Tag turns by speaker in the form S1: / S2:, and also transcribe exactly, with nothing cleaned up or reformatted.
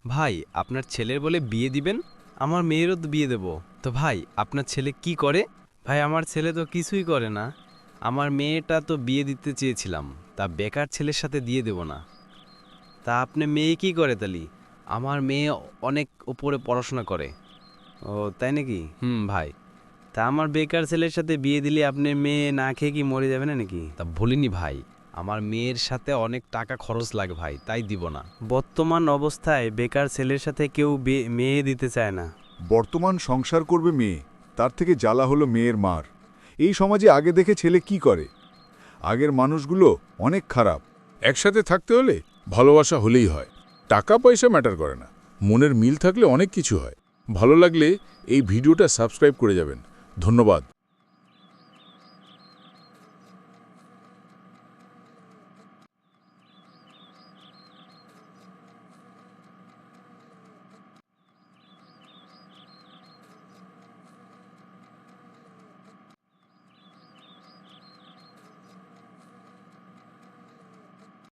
S1: ভাই আপনার ছেলের বলে বিয়ে দিবেন? আমার মেয়েরও তো বিয়ে দেব। তো ভাই আপনার ছেলে কি করে? ভাই আমার ছেলে তো কিছুই করে না। আমার মেয়েটা তো বিয়ে দিতে চেয়েছিলাম, তা বেকার ছেলের সাথে দিয়ে দেব না। তা আপনি মেয়ে কি করে তালি? আমার মেয়ে অনেক উপরে পড়াশোনা করে। ও তাই নাকি? হুম ভাই। তা আমার বেকার ছেলের সাথে বিয়ে দিলে আপনার মেয়ে না খেয়ে কি মরে যাবে না নাকি? তা ভুলিনি ভাই, আমার মেয়ের সাথে অনেক টাকা খরচ লাগে ভাই, তাই দিব না। বর্তমান অবস্থায় বেকার ছেলের সাথে কেউ মেয়ে দিতে চায় না।
S2: বর্তমান সংসার করবে মেয়ে, তার থেকে জ্বালা হলো মেয়ের মার। এই সমাজে আগে দেখে ছেলে কি করে? আগের মানুষগুলো অনেক খারাপ।
S3: একসাথে থাকতে হলে ভালোবাসা হলেই হয়, টাকা পয়সা ম্যাটার করে না। মনের মিল থাকলে অনেক কিছু হয়। ভালো লাগলে এই ভিডিওটা সাবস্ক্রাইব করে যাবেন। ধন্যবাদ।